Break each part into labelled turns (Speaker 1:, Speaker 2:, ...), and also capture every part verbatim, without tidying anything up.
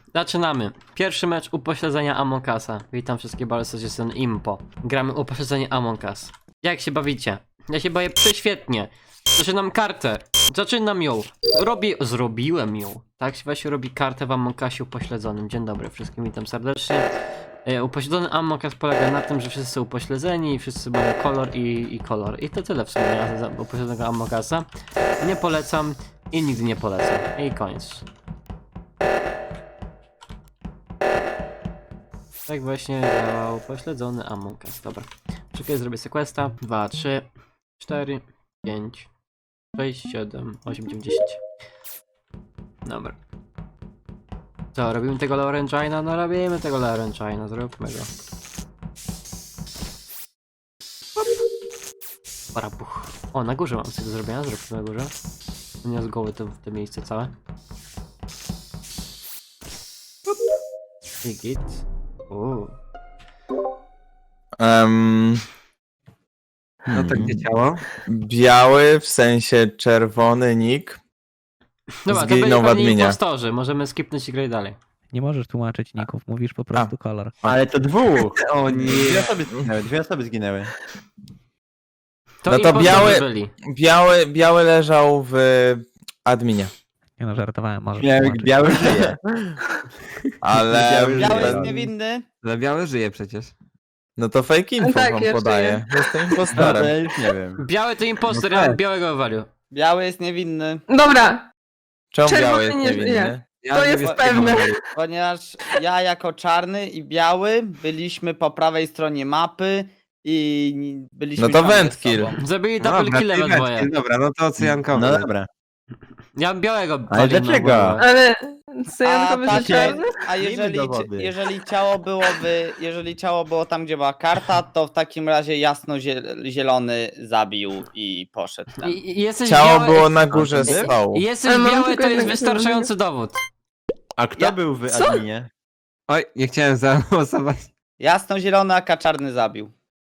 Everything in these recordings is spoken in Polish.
Speaker 1: Zaczynamy. Pierwszy mecz upośledzenia Among Usa. Witam wszystkie bardzo, jestem Impo. Gramy upośledzenie Among Us. Jak się bawicie? Ja się bawię prześwietnie. Zaczynam kartę. Zaczynam ją. Robię... Zrobiłem ją. Tak się właśnie robi kartę w Among Usie upośledzonym. Dzień dobry wszystkim, witam serdecznie. E, upośledzony Among Us polega na tym, że wszyscy są upośledzeni i wszyscy mają kolor i, i kolor. I to tyle w sumie za upośledzonego Among Usa. Nie polecam i nigdy nie polecam. I koniec. Tak właśnie działał pośledzony Among Us. Dobra. Czekaj, zrobię sobie questa. dwa, trzy, cztery, pięć, sześć, siedem, osiem, dziewięć, dziesięć. Dobra. Co, robimy tego Laurentine'a? No robimy tego Laurentine'a, zróbmy go. Parapuch. O, na górze mam coś do zrobienia, zróbmy na górze. Nie z głowy to, to miejsce całe. I git. Uuu.
Speaker 2: Um,
Speaker 3: No tak nie działo.
Speaker 2: biały, w sensie czerwony nick.
Speaker 1: Dobra, to
Speaker 2: Zginął w
Speaker 1: byli
Speaker 2: adminie.
Speaker 1: impostorzy, możemy skipnąć i grać dalej.
Speaker 4: Nie możesz tłumaczyć ników, mówisz po prostu kolor.
Speaker 5: Ale to dwóch!
Speaker 3: O
Speaker 5: Dwie
Speaker 3: nie.
Speaker 5: osoby zginęły, dwie osoby zginęły.
Speaker 1: To
Speaker 2: No to
Speaker 1: impostorzy
Speaker 2: biały-
Speaker 1: byli.
Speaker 2: Biały, biały leżał w adminie.
Speaker 4: Nie no, żartowałem, możesz
Speaker 5: Biały,
Speaker 4: tłumaczyć.
Speaker 5: biały żyje.
Speaker 2: Ale...
Speaker 5: Biały
Speaker 6: Biały
Speaker 5: żyje.
Speaker 6: jest niewinny.
Speaker 3: Ale biały żyje przecież.
Speaker 2: No to fake info
Speaker 7: Tak,
Speaker 2: wam
Speaker 7: ja
Speaker 2: podaję. Jestem
Speaker 5: No,
Speaker 2: impostorem.
Speaker 5: to ja już nie wiem.
Speaker 1: Biały to impostor,
Speaker 5: No
Speaker 1: ja
Speaker 5: tak.
Speaker 1: bym białego wywalił.
Speaker 6: Biały jest niewinny,
Speaker 7: Dobra,
Speaker 2: Czemu
Speaker 7: czerwony
Speaker 2: biały jest
Speaker 7: nie
Speaker 2: niewinny?
Speaker 7: żyje.
Speaker 3: Ja
Speaker 7: To
Speaker 3: nie
Speaker 7: jest
Speaker 3: wiem,
Speaker 7: pewne.
Speaker 6: ponieważ ja jako czarny i biały byliśmy po prawej stronie mapy i ni- byliśmy
Speaker 2: No to
Speaker 6: ciągle z
Speaker 2: wentkill.
Speaker 6: sobą.
Speaker 1: Zabili
Speaker 3: No
Speaker 1: double
Speaker 3: dobra,
Speaker 1: kille
Speaker 3: ty
Speaker 1: we dwoje.
Speaker 3: weź, dobra, no to cyjankowy.
Speaker 5: No dobra.
Speaker 1: Ja bym białego
Speaker 5: Ale
Speaker 1: walił na
Speaker 5: dlaczego?
Speaker 1: głowę.
Speaker 7: ale
Speaker 6: A,
Speaker 7: cyjankowy że
Speaker 6: takie-
Speaker 7: czarny?
Speaker 6: a jeżeli,
Speaker 5: dowody.
Speaker 6: jeżeli ciało byłoby, jeżeli ciało było tam, gdzie była karta, to w takim razie jasno zie- zielony zabił i poszedł tam.
Speaker 1: I, i jesteś
Speaker 2: Ciało
Speaker 1: biały,
Speaker 2: było na górze stołu.
Speaker 1: i jesteś
Speaker 7: Ale mam
Speaker 1: biały,
Speaker 7: tylko
Speaker 1: to jest
Speaker 7: jednego
Speaker 1: wystarczający dowód.
Speaker 5: A kto
Speaker 6: Ja-
Speaker 5: był w
Speaker 7: Co?
Speaker 5: adminie?
Speaker 3: Oj, nie chciałem zagłosować.
Speaker 6: Jasno zielony, a czarny zabił.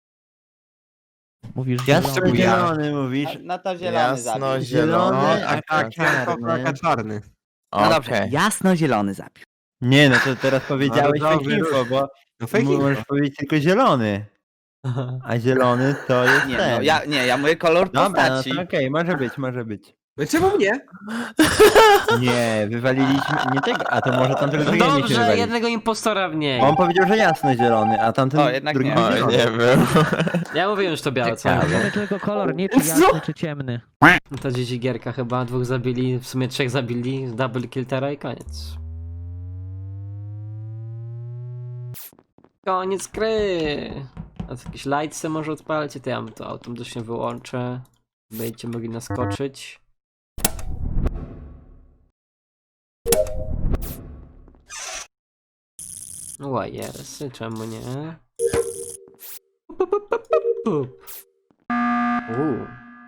Speaker 4: Mówisz
Speaker 5: Jasno
Speaker 4: zielony.
Speaker 5: zielony mówisz.
Speaker 6: No to zielony zabił.
Speaker 2: Jasno
Speaker 3: No,
Speaker 2: zielony.
Speaker 3: a tak, cyjankowy, a czarny.
Speaker 6: No dobrze,
Speaker 2: Okej.
Speaker 6: jasno zielony zabił.
Speaker 5: Nie, no to teraz powiedziałeś
Speaker 3: No,
Speaker 5: fake
Speaker 3: dobry
Speaker 5: info, bo
Speaker 3: No fake
Speaker 5: możesz
Speaker 3: info.
Speaker 5: powiedzieć tylko zielony. A zielony to jest
Speaker 6: Nie,
Speaker 5: ten.
Speaker 6: no ja, nie, ja mówię kolor
Speaker 5: Dobra, no
Speaker 6: postaci.
Speaker 5: to okej, może być, może być.
Speaker 3: No czemu nie?
Speaker 5: Nie, wywaliliśmy nie tego, a to może tamten drugi nie się
Speaker 1: Dobrze,
Speaker 5: wywalić.
Speaker 1: jednego impostora mniej.
Speaker 5: On powiedział, że jasno zielony, a tamten
Speaker 6: O, jednak
Speaker 5: drugi
Speaker 6: nie.
Speaker 5: był
Speaker 2: Oj,
Speaker 5: zielony.
Speaker 2: nie wiem.
Speaker 1: Ja mówiłem, że to białe, co?
Speaker 5: Ciekawe.
Speaker 4: Wiemy tylko kolor, nie czy
Speaker 7: Co?
Speaker 4: jasny, czy ciemny.
Speaker 1: To dzieci gierka chyba, dwóch zabili, w sumie trzech zabili, double kill teraz i koniec. Koniec gry. A co, jakieś lightsy może odpalcie, to ja to automatycznie wyłączę. Będziecie mogli naskoczyć. Łajersy, czemu nie? Pup, pup, pup, pup, pup. Uuu.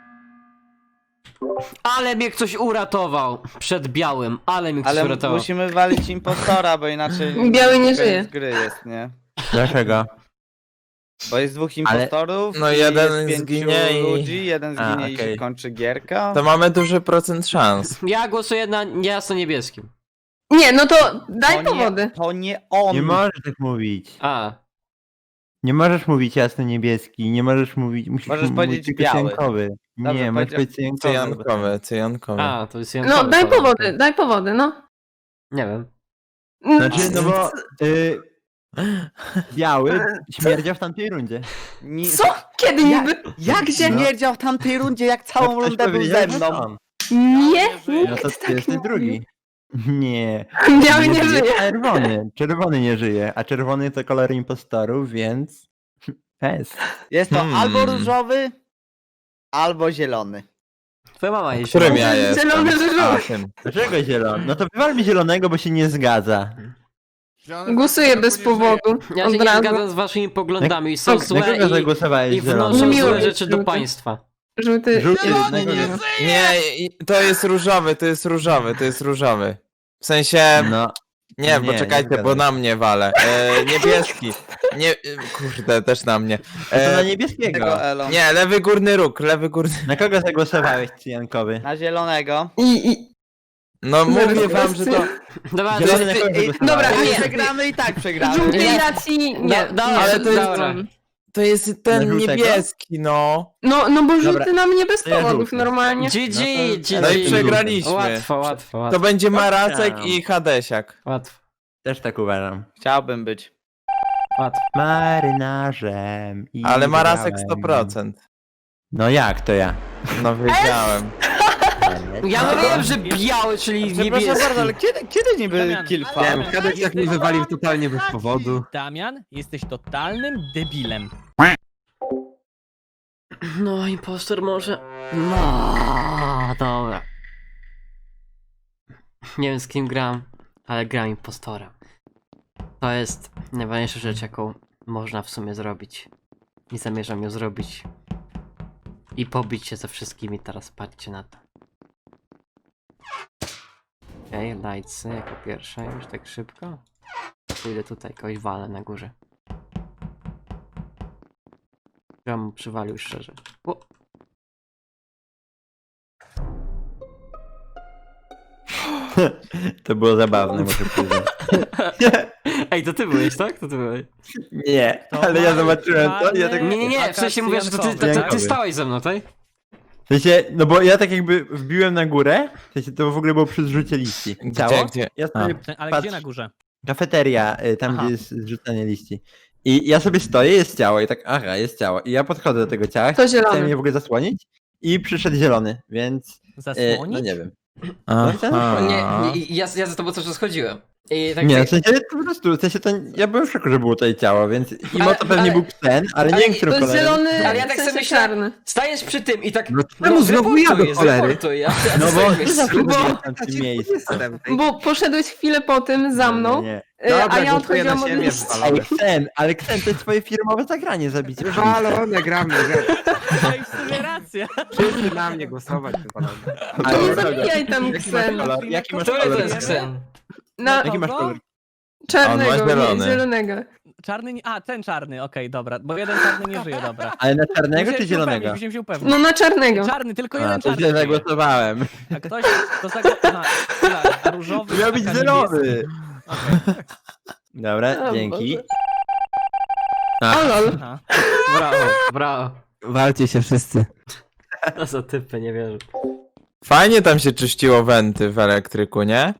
Speaker 1: Ale mnie ktoś uratował przed białym, ale mnie ktoś
Speaker 6: Ale
Speaker 1: uratował.
Speaker 6: musimy walić impostora, bo inaczej...
Speaker 7: Biały nie
Speaker 6: koniec
Speaker 7: żyje.
Speaker 6: gry jest, nie?
Speaker 5: Dlaczego?
Speaker 6: Bo jest dwóch impostorów
Speaker 2: No
Speaker 6: i
Speaker 2: jeden
Speaker 6: jest pięciu
Speaker 2: zginie i-
Speaker 6: ludzi, jeden
Speaker 2: A,
Speaker 6: zginie i się
Speaker 2: okej.
Speaker 6: kończy gierka.
Speaker 2: To mamy duży procent szans.
Speaker 1: Ja głosuję na jasno-niebieskim.
Speaker 7: Nie, no to daj
Speaker 6: to
Speaker 7: powody.
Speaker 6: Nie, to nie on.
Speaker 5: Nie możesz tak mówić.
Speaker 1: A,
Speaker 5: Nie możesz mówić jasno niebieski, nie możesz mówić, musisz
Speaker 6: Możesz
Speaker 5: mówić
Speaker 6: powiedzieć
Speaker 5: tylko
Speaker 6: biały.
Speaker 5: cyjankowy.
Speaker 6: Dobrze,
Speaker 5: Nie, możesz
Speaker 6: powiedział-
Speaker 5: powiedzieć cyjankowy.
Speaker 2: Cyjankowy, cyjankowy.
Speaker 1: a, to jest
Speaker 7: No
Speaker 1: jankowy
Speaker 7: daj
Speaker 1: kolor.
Speaker 7: powody, daj powody, no.
Speaker 1: Nie wiem.
Speaker 5: Znaczy, no bo y, biały śmierdział w tamtej rundzie.
Speaker 6: Nie...
Speaker 7: Co? Kiedy
Speaker 6: Ja-
Speaker 7: niby?
Speaker 6: Jak się
Speaker 5: No.
Speaker 6: mierdział w tamtej rundzie, jak całą
Speaker 5: Ktoś
Speaker 6: rundę był
Speaker 5: powiedział,
Speaker 6: ze
Speaker 5: że
Speaker 6: mną?
Speaker 5: on.
Speaker 7: Nie,
Speaker 5: No
Speaker 7: nikt
Speaker 5: to
Speaker 7: tak
Speaker 5: ty
Speaker 7: nie
Speaker 5: jesteś
Speaker 7: mówi.
Speaker 5: drugi. Nie.
Speaker 7: Biały nie żyje.
Speaker 5: Czerwony. Czerwony nie żyje, a czerwony to kolor impostorów, więc... Jest.
Speaker 6: Jest to
Speaker 2: Hmm.
Speaker 6: albo różowy, albo zielony.
Speaker 1: Twoja mama jest
Speaker 2: Którym
Speaker 1: zielona.
Speaker 2: ja jestem?
Speaker 7: Zielony żużlu.
Speaker 2: A, tym.
Speaker 5: Dlaczego zielony? No to wywalmy zielonego, bo się nie zgadza.
Speaker 7: Głosuję bez powodu.
Speaker 1: Ja się
Speaker 7: Od
Speaker 1: nie
Speaker 7: razu.
Speaker 1: zgadzam z waszymi poglądami, są
Speaker 5: Na
Speaker 1: złe
Speaker 5: kogo
Speaker 1: i,
Speaker 5: zagłosowałeś
Speaker 1: i
Speaker 5: zielony?
Speaker 1: wnoszą
Speaker 7: Miło
Speaker 1: złe
Speaker 7: jest
Speaker 1: rzeczy do
Speaker 7: żółty.
Speaker 1: państwa.
Speaker 7: Żółty.
Speaker 5: Żółty
Speaker 7: zielony,
Speaker 5: nie
Speaker 7: nie.
Speaker 5: żyje.
Speaker 2: Nie, i- to jest różowy, to jest różowy, to jest różowy. W sensie...
Speaker 5: No,
Speaker 2: Nie,
Speaker 5: Nie,
Speaker 2: poczekajcie,
Speaker 5: nie
Speaker 2: bo
Speaker 5: zgadzam.
Speaker 2: na mnie wale. E, niebieski. Nie, e, kurde, też na mnie.
Speaker 5: to na
Speaker 2: E,
Speaker 5: niebieskiego.
Speaker 6: Tego Elo.
Speaker 2: nie, lewy górny róg, lewy górny...
Speaker 5: Na kogo zagłosowałeś, cyjankowy?
Speaker 6: Na zielonego.
Speaker 7: I, i...
Speaker 2: No mówię wam, że to...
Speaker 1: Dobra,
Speaker 5: Zielony
Speaker 1: ty-
Speaker 5: na
Speaker 1: ty-
Speaker 5: końcu
Speaker 1: ej,
Speaker 5: głosowałem.
Speaker 7: Dobra,
Speaker 6: Jak
Speaker 7: nie.
Speaker 6: przegramy i tak przegramy.
Speaker 7: Żółtej
Speaker 1: Nie.
Speaker 7: racji nie.
Speaker 1: No, dobra,
Speaker 7: nie,
Speaker 2: ale to jest-
Speaker 7: zgadzam.
Speaker 2: To jest ten
Speaker 5: Na żółtego?
Speaker 2: niebieski, no.
Speaker 7: No, no bo
Speaker 5: Dobra,
Speaker 7: żółty na mnie bez
Speaker 5: to ja
Speaker 7: powodów,
Speaker 5: żółty.
Speaker 7: normalnie.
Speaker 1: G G, G
Speaker 2: No i
Speaker 1: G.
Speaker 2: przegraliśmy.
Speaker 1: Łatwo, łatwo,
Speaker 2: To
Speaker 1: łatwo.
Speaker 2: będzie Maracek i Hadesiak.
Speaker 1: Łatwo,
Speaker 3: Też tak uważam.
Speaker 6: Chciałbym być.
Speaker 1: łatwo.
Speaker 5: Marynarzem. i
Speaker 2: Ale Maracek
Speaker 5: grałem.
Speaker 2: sto procent.
Speaker 5: No jak to ja?
Speaker 2: No wiedziałem.
Speaker 1: Ja mówiłem, że biały, czyli
Speaker 6: Przepraszam
Speaker 1: niebieski.
Speaker 6: bardzo, ale kiedy, kiedy niby
Speaker 4: Damian.
Speaker 6: kilka?
Speaker 3: Wiem, Kadek jak mnie wywalił totalnie bez powodu.
Speaker 4: Damian, jesteś totalnym debilem.
Speaker 1: No, impostor może. No, dobra. Nie wiem z kim gram, ale gram impostorem. To jest najważniejsza rzecz, jaką można w sumie zrobić. I zamierzam ją zrobić. I pobić się ze wszystkimi, teraz patrzcie na to. Okej, okay, lajcy jako pierwsza już tak szybko. Pójdę tutaj, kogoś walę na górze. Ja mu przywalił szczerze. O.
Speaker 5: To było zabawne, muszę przyznać.
Speaker 1: Ej, to ty byłeś, tak? To ty byłeś.
Speaker 5: Nie,
Speaker 4: To
Speaker 5: ale ja
Speaker 4: mamy
Speaker 5: zobaczyłem to i ja tak...
Speaker 4: czarny-
Speaker 1: Nie, nie, nie, w sensie mówię, że to ty, to, to, ty stałeś ze mną, tak?
Speaker 5: W sensie, no bo ja tak jakby wbiłem na górę, w sensie to w ogóle było przy zrzucie liści. Ciało?
Speaker 2: Gdzie, gdzie?
Speaker 5: Ja sobie
Speaker 4: Ale
Speaker 5: patrz,
Speaker 4: gdzie na górze?
Speaker 5: kafeteria, y, tam
Speaker 1: Aha.
Speaker 5: gdzie jest zrzucanie liści. I ja sobie stoję, jest ciało i tak, aha, jest ciało. I ja podchodzę do tego ciała,
Speaker 7: To
Speaker 5: chciałem
Speaker 7: zielony.
Speaker 5: je w ogóle zasłonić i przyszedł zielony, więc y,
Speaker 4: Zasłonić?
Speaker 5: no nie wiem.
Speaker 2: Aha.
Speaker 1: Nie, nie, ja, ja za tobą cały czas chodziłem. I tak
Speaker 5: Nie, w sensie to po prostu, w sensie to ja byłem w szoku, że było tutaj ciało, więc imo
Speaker 1: Ale-
Speaker 5: to pewnie
Speaker 1: ale-
Speaker 5: był psen, ale nie
Speaker 1: ale
Speaker 5: wiem, którym
Speaker 7: To jest
Speaker 5: kolorem.
Speaker 7: zielony,
Speaker 1: Ale ja tak
Speaker 7: w sensie
Speaker 1: sobie myślałem-
Speaker 7: czarny.
Speaker 1: stajesz przy tym i tak.
Speaker 3: No czemu znowu ja do
Speaker 1: zreportuj,
Speaker 3: cholery?
Speaker 1: zreportuj, ja, ja
Speaker 5: No bo
Speaker 1: sobie
Speaker 5: ty
Speaker 1: myślę.
Speaker 5: zawsze
Speaker 7: Bo-
Speaker 5: byłeś tam w tym miejscu.
Speaker 7: Bo poszedłeś chwilę po tym za mną,
Speaker 5: Nie, nie.
Speaker 7: e,
Speaker 3: Dobra,
Speaker 7: a ja
Speaker 3: głosuję na
Speaker 7: odchodziłam od
Speaker 3: siebie,
Speaker 7: liści.
Speaker 3: wywalone.
Speaker 5: Ale Ksen, ale Ksen, to jest twoje firmowe zagranie zabicie.
Speaker 3: Wywalone, gramy, że
Speaker 4: No i w sumie racja.
Speaker 3: wszyscy na mnie głosować, wywalone.
Speaker 5: Ale
Speaker 7: Nie
Speaker 5: dobra.
Speaker 7: zabijaj tam
Speaker 5: Jaki masz
Speaker 7: Ksen.
Speaker 5: kolor? Jaki masz
Speaker 1: Który
Speaker 5: kolor?
Speaker 1: to jest Ksen?
Speaker 7: Na
Speaker 5: Jaki masz kolor?
Speaker 7: czarnego,
Speaker 2: On ma zielony.
Speaker 7: nie, zielonego.
Speaker 4: Czarny nie... A, ten czarny, okej, dobra. Bo jeden czarny nie żyje, dobra.
Speaker 5: Ale na czarnego
Speaker 4: Musiałem
Speaker 5: czy
Speaker 4: się
Speaker 5: zielonego?
Speaker 4: upewnić, musiałem się upewnić.
Speaker 7: No na czarnego.
Speaker 4: Czarny, tylko
Speaker 5: A,
Speaker 4: jeden
Speaker 5: to
Speaker 4: czarny
Speaker 5: źle
Speaker 4: żyje.
Speaker 5: zagłosowałem.
Speaker 4: A ktoś to zagłosował. A różowy...
Speaker 5: Miał być
Speaker 4: taka
Speaker 5: zielony.
Speaker 4: niebieski. Okej.
Speaker 5: Dobra,
Speaker 7: O
Speaker 5: dzięki.
Speaker 7: Boże. O lol.
Speaker 4: Aha.
Speaker 1: Brawo, brawo.
Speaker 3: Walcie się wszyscy.
Speaker 1: To za typy, nie wierzę.
Speaker 2: Fajnie tam się czyściło wenty w elektryku, nie?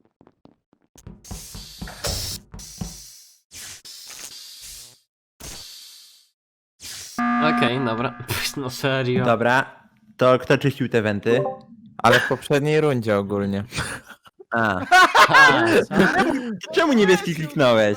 Speaker 1: Okej, dobra. No serio.
Speaker 5: Dobra, to kto czyścił te wenty?
Speaker 2: Ale w poprzedniej rundzie ogólnie.
Speaker 5: A,
Speaker 1: A,
Speaker 5: czemu niebieski kliknąłeś?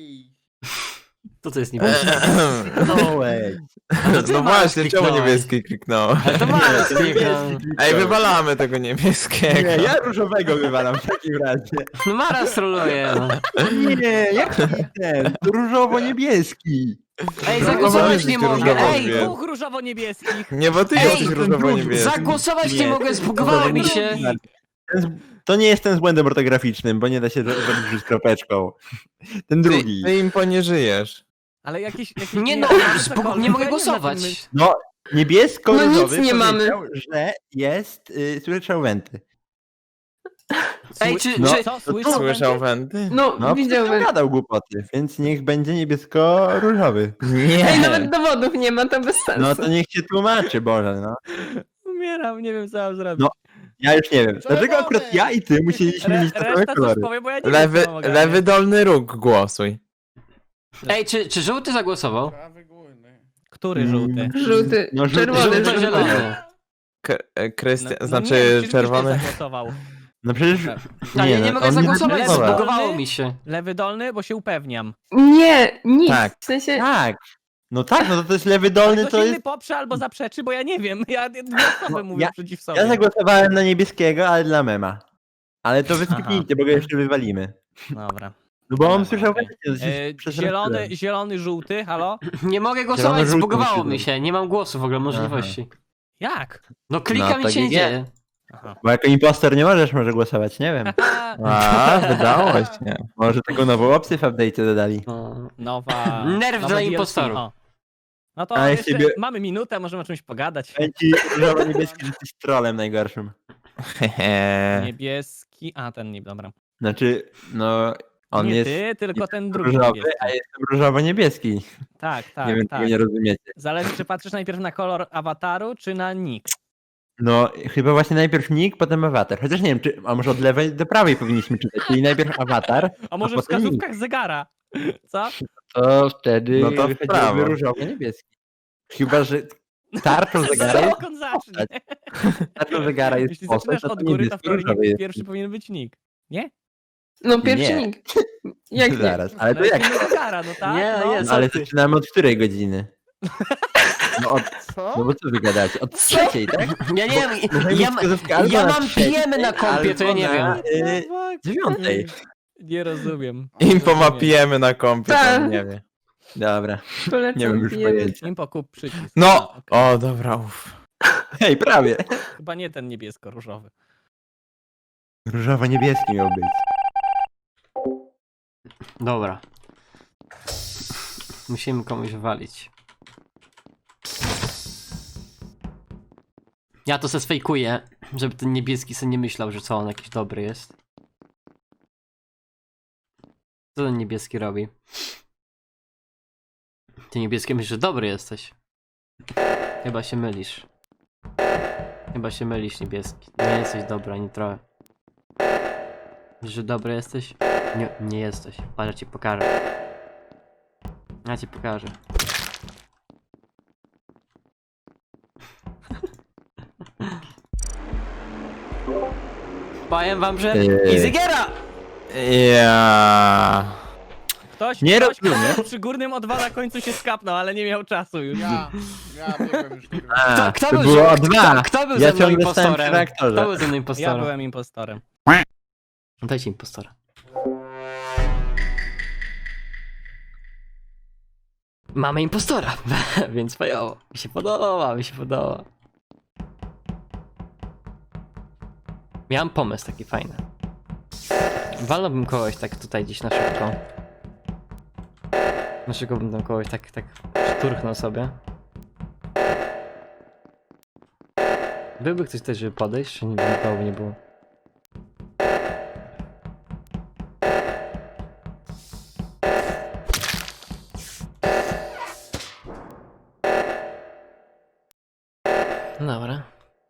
Speaker 1: to co jest niebieski?
Speaker 5: Kliknąłeś.
Speaker 2: No właśnie, czemu niebieski kliknąłem?
Speaker 1: Ale to mało skliknął.
Speaker 2: Ej, wywalamy tego niebieskiego.
Speaker 5: Nie, ja różowego wywalam w takim razie.
Speaker 1: No Mara stroluje. No.
Speaker 5: Nie, jaki ten? To różowo-niebieski.
Speaker 1: Ej,
Speaker 2: No,
Speaker 1: zagłosować
Speaker 2: no,
Speaker 1: nie
Speaker 2: no,
Speaker 1: mogę.
Speaker 2: różowo
Speaker 1: Ej,
Speaker 2: wie.
Speaker 4: Dwóch różowo-niebieskich.
Speaker 2: Nie, bo ty
Speaker 1: Ej,
Speaker 2: jesteś
Speaker 5: ten
Speaker 2: różowo-niebieski.
Speaker 1: zagłosować nie
Speaker 5: Nie.
Speaker 1: mogę, zbugowało mi się.
Speaker 5: Ten z- To nie jest ten z błędem ortograficznym, bo nie da się ro- zrobić z kropeczką. Ten
Speaker 2: Ty,
Speaker 5: drugi.
Speaker 2: ty im nie żyjesz.
Speaker 4: Ale jakieś... jakieś
Speaker 1: Nie no,
Speaker 4: cokolwiek,
Speaker 1: zbug- nie
Speaker 4: to
Speaker 1: mogę
Speaker 4: ja
Speaker 1: głosować.
Speaker 4: wiem, na czym
Speaker 5: No, niebiesko-różowy
Speaker 7: No nic nie mamy.
Speaker 5: powiedział, że jest, y, słyszał wenty.
Speaker 1: Ej, czy,
Speaker 5: No.
Speaker 1: czy,
Speaker 4: Co, słyszał?
Speaker 2: Słyszał
Speaker 4: będę?
Speaker 2: wenty?
Speaker 7: No,
Speaker 5: No,
Speaker 7: widziałbym.
Speaker 5: przecież gadał głupoty, więc niech będzie niebiesko-różowy.
Speaker 7: Ej,
Speaker 2: Nie.
Speaker 7: nawet dowodów nie ma, to bez sensu.
Speaker 5: No to niech się tłumaczy, Boże, no.
Speaker 4: Umieram, nie wiem co mam zrobić.
Speaker 5: No, Ja już nie wiem. Dlaczego akurat ja i ty musieliśmy
Speaker 4: Re,
Speaker 5: mieć te same
Speaker 4: reszta coś
Speaker 5: kolory?
Speaker 4: powie, bo ja nie
Speaker 2: Lewy,
Speaker 4: wiem, co mam
Speaker 2: lewy
Speaker 4: ogarniać.
Speaker 2: dolny róg głosuj.
Speaker 1: ej, czy, czy żółty zagłosował?
Speaker 4: Który żółty?
Speaker 7: Żółty,
Speaker 5: No, żółty,
Speaker 7: czerwony,
Speaker 1: Żółty,
Speaker 7: żółty.
Speaker 1: zielony.
Speaker 2: K- e, Krystian,
Speaker 4: No- no
Speaker 2: znaczy
Speaker 4: nie, przecież
Speaker 2: czerwony.
Speaker 4: Krzysztof zagłosował.
Speaker 5: No przecież...
Speaker 1: A ja nie
Speaker 5: no,
Speaker 1: mogę
Speaker 5: on
Speaker 1: zagłosować,
Speaker 5: zagłosował.
Speaker 1: zbugowało mi się.
Speaker 4: Lewy dolny, bo się upewniam.
Speaker 7: Nie, nic.
Speaker 2: Tak.
Speaker 7: W sensie,
Speaker 5: Tak. No tak, no to, to jest lewy dolny,
Speaker 4: Ktoś
Speaker 5: to
Speaker 4: inny
Speaker 5: jest...
Speaker 4: poprze albo zaprzeczy, bo ja nie wiem. Ja dwie osoby
Speaker 5: No,
Speaker 4: mówię
Speaker 5: ja-
Speaker 4: przeciw sobie.
Speaker 5: Ja zagłosowałem na niebieskiego, ale dla mema. Ale to wyskipnijcie, bo go jeszcze wywalimy.
Speaker 4: Dobra.
Speaker 5: No bo on
Speaker 4: Dobra,
Speaker 5: słyszał...
Speaker 4: okej. E, zielony, zielony, żółty, halo?
Speaker 1: Nie mogę głosować,
Speaker 5: Zielony, żółty
Speaker 1: zbugowało
Speaker 5: musi
Speaker 1: mi
Speaker 5: być.
Speaker 1: się, nie mam głosu w ogóle, możliwości.
Speaker 4: Jak?
Speaker 1: No klikam
Speaker 5: No,
Speaker 1: i się nie
Speaker 5: to G G.
Speaker 1: dzieje.
Speaker 4: Aha.
Speaker 5: Bo jako impostor nie możesz może głosować, nie wiem.
Speaker 2: A, wydało się.
Speaker 5: Może taką nową opcję w update'cie dodali.
Speaker 1: No.
Speaker 4: Nowa...
Speaker 1: Nerw
Speaker 4: nowe
Speaker 1: dla
Speaker 4: D L C,
Speaker 1: impostorów.
Speaker 4: o. No to
Speaker 5: A ja
Speaker 4: jeszcze
Speaker 5: siebie-
Speaker 4: mamy minutę, możemy o czymś pogadać.
Speaker 5: Będzie różowo-niebieski, że jesteś trolem najgorszym.
Speaker 2: Hehe.
Speaker 4: Niebieski, a ten nie, dobra.
Speaker 5: Znaczy, no, on
Speaker 4: nie
Speaker 5: jest
Speaker 4: ty, tylko ten drugi
Speaker 5: różowy,
Speaker 4: niebieski.
Speaker 5: a jestem różowo-niebieski.
Speaker 4: Tak, tak,
Speaker 5: Nie wiem,
Speaker 4: tak.
Speaker 5: czego nie rozumiecie.
Speaker 4: Zależy, czy patrzysz najpierw na kolor awataru, czy na nick.
Speaker 5: No, chyba właśnie najpierw nick, potem awatar. Chociaż nie wiem, czy, a może od lewej do prawej powinniśmy czytać, czyli najpierw awatar,
Speaker 4: A może w
Speaker 5: potem nick.
Speaker 4: wskazówkach zegara? Co?
Speaker 5: To wtedy
Speaker 2: No to w prawo.
Speaker 5: wychodziłby różowo-niebieski. Chyba, że tarczą zegara jest,
Speaker 4: Jak on zacznie?
Speaker 5: tarczą zegara jest
Speaker 4: Jeśli
Speaker 5: postać,
Speaker 4: zaczynasz
Speaker 5: to
Speaker 4: od
Speaker 5: to
Speaker 4: góry, to w teorii
Speaker 5: niebiesko-różowy jest.
Speaker 4: pierwszy powinien być nick. Nie?
Speaker 7: No pierwszy
Speaker 5: Nie.
Speaker 7: nikt. Jak nie?
Speaker 5: Zaraz, ale to
Speaker 4: No
Speaker 5: jak?
Speaker 4: jest zegara, no tak?
Speaker 1: Nie,
Speaker 4: no.
Speaker 1: jest.
Speaker 5: No, ale
Speaker 1: Co ty?
Speaker 5: zaczynamy od której godziny? No, od,
Speaker 8: Co?
Speaker 5: no bo co wy gadacie? Od trzeciej, tak?
Speaker 1: Ja nie wiem,
Speaker 5: Możemy
Speaker 1: ja,
Speaker 5: mieć wskazówkę albo
Speaker 1: ja
Speaker 5: na
Speaker 1: mam
Speaker 5: trzeciej,
Speaker 1: pijemy na kompie, to ja nie
Speaker 5: albo na,
Speaker 1: wiem.
Speaker 5: y, dziewiątej.
Speaker 4: Nie rozumiem.
Speaker 2: Info ma
Speaker 4: Rozumiem.
Speaker 2: pijemy na kompie,
Speaker 7: Tak.
Speaker 2: to nie wie.
Speaker 5: Dobra,
Speaker 7: Polecam,
Speaker 5: nie mam już
Speaker 7: pijemy.
Speaker 5: pojęcia.
Speaker 4: Impo, kup przycisk.
Speaker 2: No!
Speaker 4: A, okej.
Speaker 2: O, dobra, uff.
Speaker 5: Hej, prawie.
Speaker 4: Chyba nie ten niebiesko-różowy.
Speaker 5: Różowo-niebieski miał być.
Speaker 1: Dobra. Musimy komuś walić. Ja to se sfejkuję, żeby ten niebieski sobie nie myślał, że co on jakiś dobry jest. Co ten niebieski robi? Ty niebieski myślisz, że dobry jesteś. Chyba się mylisz. Chyba się mylisz, niebieski. Nie jesteś dobry ani trochę. Wiesz, że dobry jesteś? Nie, nie jesteś. Patrz, ja ci pokażę. Ja ci pokażę. Powiem wam, że
Speaker 5: Eee.
Speaker 1: Easygiera!
Speaker 2: Ja.
Speaker 4: Ktoś,
Speaker 5: Nie
Speaker 4: ktoś
Speaker 5: rozumiem.
Speaker 4: kto przy górnym o dwa na końcu się skapnął, ale nie miał czasu już.
Speaker 8: Ja, ja biegłem już kurwa.
Speaker 5: A,
Speaker 1: Kto, kto
Speaker 5: to
Speaker 1: był,
Speaker 5: było o
Speaker 1: kto,
Speaker 5: dwa.
Speaker 1: kto był
Speaker 5: Ja
Speaker 1: ze mną
Speaker 5: ciągle stałem przy
Speaker 1: impostorem?
Speaker 5: reaktorze.
Speaker 1: Kto był ze mną
Speaker 4: Ja
Speaker 1: impostorem?
Speaker 4: byłem impostorem.
Speaker 1: Dajcie impostora. Mamy impostora, więc fajowo. Mi się podoba, mi się podoba. Miałem pomysł taki fajny. Walnąłbym kogoś tak tutaj gdzieś na szybko. Na szybko bym tam kogoś tak, tak szturchnął sobie. Byłby ktoś też, żeby podejść, czy nikogo by nie było? Dobra.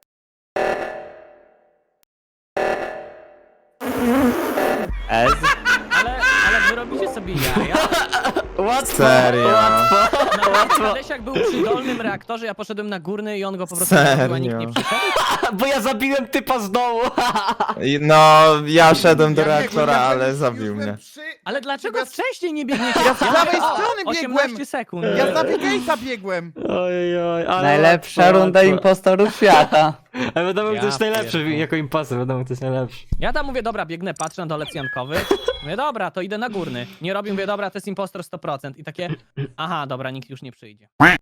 Speaker 6: Ez.
Speaker 4: Ale, ale wy robicie sobie jaja.
Speaker 1: Łatwo,
Speaker 2: Serio?
Speaker 1: łatwo, łatwo.
Speaker 4: Hadesiak był przy dolnym reaktorze, ja poszedłem na górny i on go po prostu
Speaker 2: Serio?
Speaker 4: zrobił, a nikt nie przyszedł.
Speaker 1: Bo ja zabiłem typa z dołu.
Speaker 2: I No, ja szedłem do
Speaker 8: Ja biegłem,
Speaker 2: reaktora,
Speaker 8: ja
Speaker 2: ale
Speaker 8: już
Speaker 2: zabił
Speaker 8: byłem
Speaker 2: mnie.
Speaker 8: Przy...
Speaker 4: Ale dlaczego
Speaker 8: Ja-
Speaker 4: wcześniej nie biegniecie?
Speaker 8: Ja z prawej strony
Speaker 4: osiemnaście
Speaker 8: biegłem!
Speaker 4: sekund.
Speaker 8: Ja za Bigate'a biegłem!
Speaker 1: Oj, oj, ale
Speaker 6: Najlepsza
Speaker 1: łatwo,
Speaker 6: runda
Speaker 1: łatwo.
Speaker 6: impostorów świata.
Speaker 1: Ale wiadomo,
Speaker 4: Ja
Speaker 1: kto jest najlepszy
Speaker 4: pierdolę.
Speaker 1: jako impostor, wiadomo, kto jest najlepszy.
Speaker 4: Ja tam mówię, dobra, biegnę, patrzę na dolec jankowy. Mówię, dobra, to idę na górny. Nie robię, mówię, dobra, to jest impostor sto procent. I takie, aha, dobra, nikt już nie przyjdzie.